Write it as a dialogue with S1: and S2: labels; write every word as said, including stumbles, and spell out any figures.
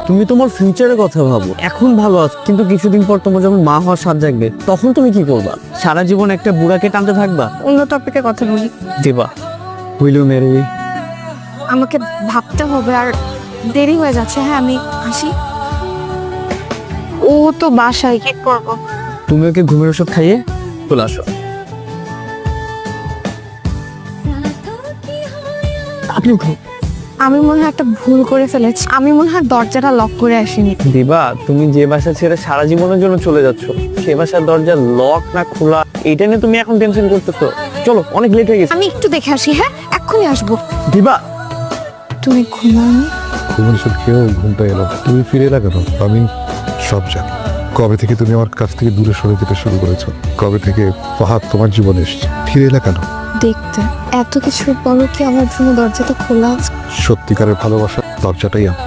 S1: তুমি তোমার ফিউচারের কথা ভাবো। এখন ভালো আছো, কিন্তু কিছুদিন পর তোমার যখন মা হওয়ার স্বাদ জাগবে, তখন তুমি কি করবা? সারা জীবন একটা বুড়াকে টানতে থাকবা?
S2: অন্য টপিকে কথা বলি।
S1: দেবা, উইল ইউ ম্যারি মি?
S2: আমাকে ভাবতে হবে, আর দেরি হয়ে যাচ্ছে। হ্যাঁ, আমি আসি। ও তো বাসায়, কি করবো?
S1: তুমি ওকে ঘুমের ওষুধ খাইয়ে চলে আসো। আপনি ঘুম-
S2: আমি মনে হয় একটা ভুল করে ফেলেছি। আমি মনে হয় দরজাটা লক করে আসিনি।
S1: দিবা, তুমি যে বাসা ছেড়ে সারা জীবনের জন্য চলে যাচ্ছ, সে বাসার দরজা লক না খোলা, এটা নিয়ে তুমি এখন টেনশন করতেছো? চলো, অনেক লেট হয়ে গেছে।
S2: আমি একটু দেখে আসি। হ্যাঁ, এক্ষুনি আসবো।
S1: দিবা,
S2: তুমি ঘুমাওনি?
S3: ঘুমের ওষুধ খেয়েও ঘুমটা এলো। তুমি ফিরে এলে কেন? আমি সব জানি। কবে থেকে তুমি আমার কাছ থেকে দূরে সরে যেতে শুরু করেছো? কবে থেকে ফাহাদ তোমার জীবনে এসছে? ফিরে এলে কেন?
S2: দেখতে এত কিছুর পরও কি আমার জন্য দরজাটা খোলা আছে?
S3: সত্যিকারের ভালোবাসা দরজাটাই আমার।